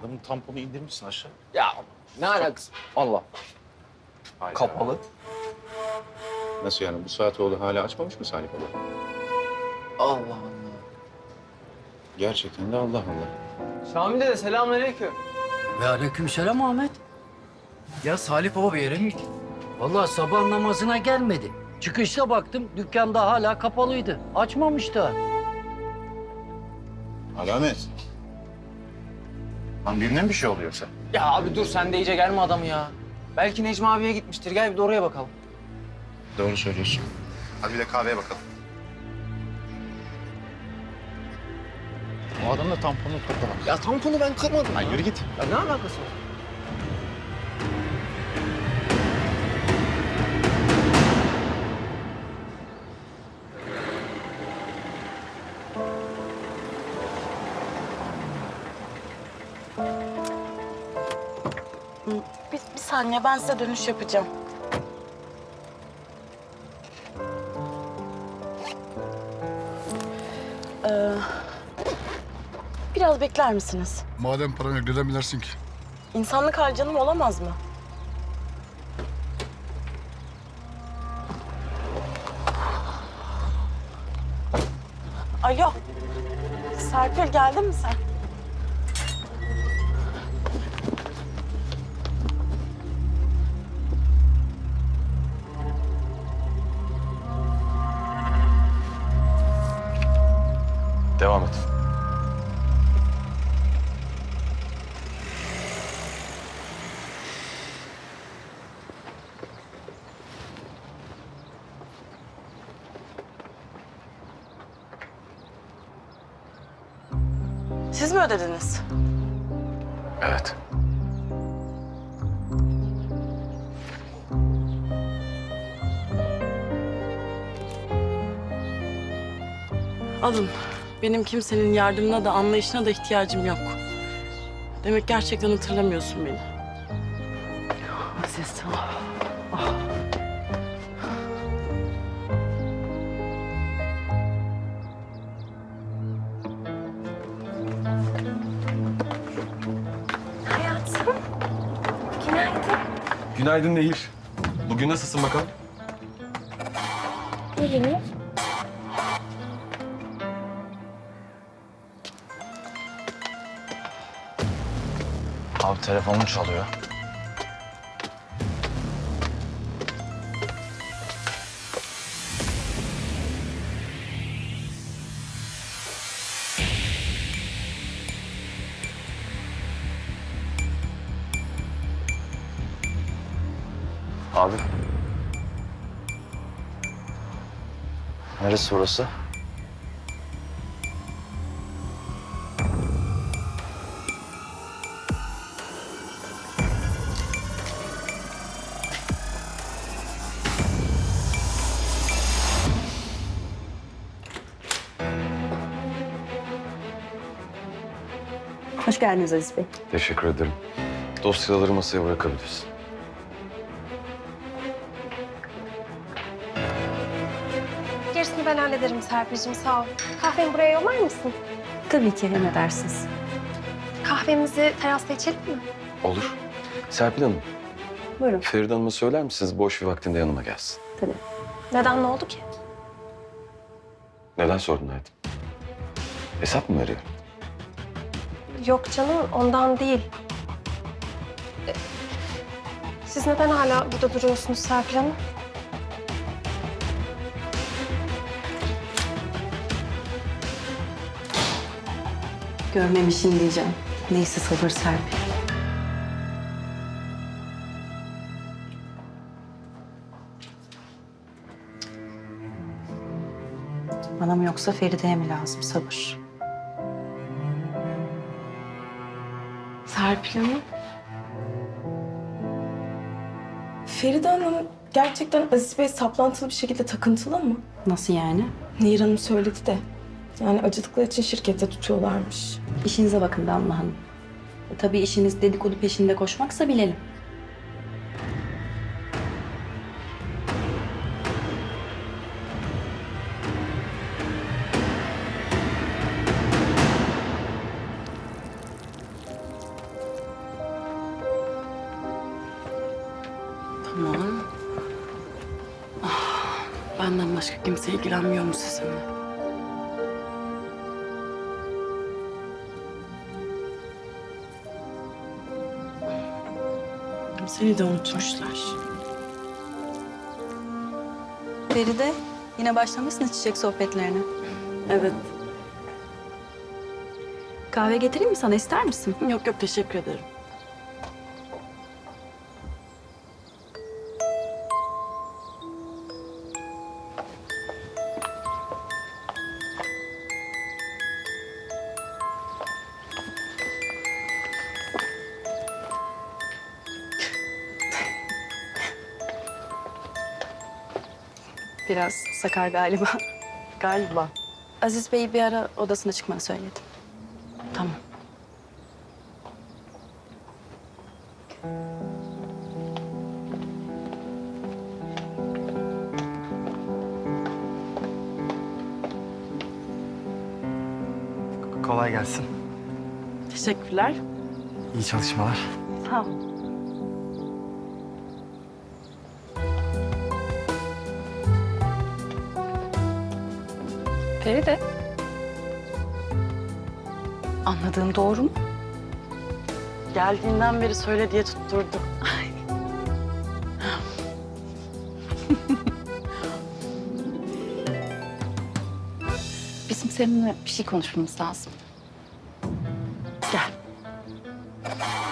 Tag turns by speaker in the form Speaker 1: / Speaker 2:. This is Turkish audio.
Speaker 1: Adamın tamponu indirmişsin aşağı.
Speaker 2: Ya ne alakası? Allah.
Speaker 1: Hayda.
Speaker 2: Kapalı.
Speaker 1: Nasıl yani? Bu saat oldu hala açmamış mı Salih Baba?
Speaker 2: Allah Allah.
Speaker 1: Gerçekten de Allah Allah.
Speaker 2: Şamil dede selamünaleyküm.
Speaker 3: Ve aleykümselam Ahmet.
Speaker 2: Ya Salih Baba bir yere mi gitti?
Speaker 3: Vallahi sabah namazına gelmedi. Çıkışta baktım dükkanda hala kapalıydı. Açmamış da.
Speaker 1: Alamet. Lan birine mi bir şey oluyorsa?
Speaker 2: Ya abi dur sen de iyice gelme adamı ya. Belki Necmi abiye gitmiştir. Gel bir de oraya bakalım.
Speaker 1: Doğru söylüyorsun. Hadi bir de kahveye bakalım. O adam da tamponunu kırdı.
Speaker 2: Ya tamponu ben kırmadım.
Speaker 1: Lan yürü git.
Speaker 2: Ya ne alakası var?
Speaker 4: Bir saniye ben size dönüş yapacağım. Ee, biraz bekler misiniz?
Speaker 5: Madem paran yok neden bilersin ki?
Speaker 4: İnsanlık hali canım olamaz mı? Alo. Serpil geldin mi sen?
Speaker 1: Devam et.
Speaker 4: Siz mi ödediniz?
Speaker 1: Evet.
Speaker 4: Alın. Benim kimsenin yardımına da anlayışına da ihtiyacım yok. Demek gerçekten hatırlamıyorsun beni. Aziz.
Speaker 6: Hayatım, günaydın.
Speaker 7: Günaydın Nehir. Bugün nasılsın bakalım?
Speaker 6: İyiyim.
Speaker 1: Abi telefonum çalıyor. Abi. Neresi burası?
Speaker 8: Hoş geldiniz Aziz Bey.
Speaker 7: Teşekkür ederim. Dosyaları masaya bırakabilirsin.
Speaker 6: Gerisini ben hallederim Serpil'cim, sağ ol. Kahvemi buraya yollar mısın?
Speaker 8: Tabii ki emredersiniz.
Speaker 6: Kahvemizi terasta içelim mi?
Speaker 7: Olur. Serpil Hanım,
Speaker 8: Buyurun.
Speaker 7: Feride Hanım'a söyler misiniz boş bir vaktinde yanıma gelsin?
Speaker 8: Tabii.
Speaker 6: Neden, ne oldu ki?
Speaker 7: Neden sordun hayatım? Hesap mı veriyor?
Speaker 6: Yok canım, ondan değil. Siz neden hala burada duruyorsunuz Serpil Hanım?
Speaker 8: Görmemişim diyeceğim. Neyse sabır Serpil. Bana mı yoksa Feride'ye mi lazım sabır?
Speaker 4: Serpil Hanım. Feride Hanım gerçekten Aziz Bey saplantılı bir şekilde takıntılı mı?
Speaker 8: Nasıl yani?
Speaker 4: Nehir Hanım söyledi de. Yani acıdıkları için şirkette tutuyorlarmış.
Speaker 8: İşinize bakın Damla Hanım. Tabii işiniz dedikodu peşinde koşmaksa bilelim.
Speaker 4: Tamam. Benden başka kimse ilgilenmiyor mu sizinle? Seni de unutmuşlar.
Speaker 8: Feride, yine başlamışsınız çiçek sohbetlerine.
Speaker 4: Evet.
Speaker 8: Kahve getireyim mi sana, ister misin?
Speaker 4: Yok yok, teşekkür ederim.
Speaker 8: Biraz sakar galiba.
Speaker 4: Galiba.
Speaker 8: Aziz Bey'i bir ara odasına çıkmanı söyledim.
Speaker 4: Tamam.
Speaker 9: Kolay gelsin.
Speaker 4: Teşekkürler.
Speaker 9: İyi çalışmalar.
Speaker 4: Sağ ol.
Speaker 8: Feride. Anladığım doğru mu?
Speaker 4: Geldiğinden beri söyle diye tutturdu.
Speaker 8: Bizim seninle bir şey konuşmamız lazım.
Speaker 4: Gel.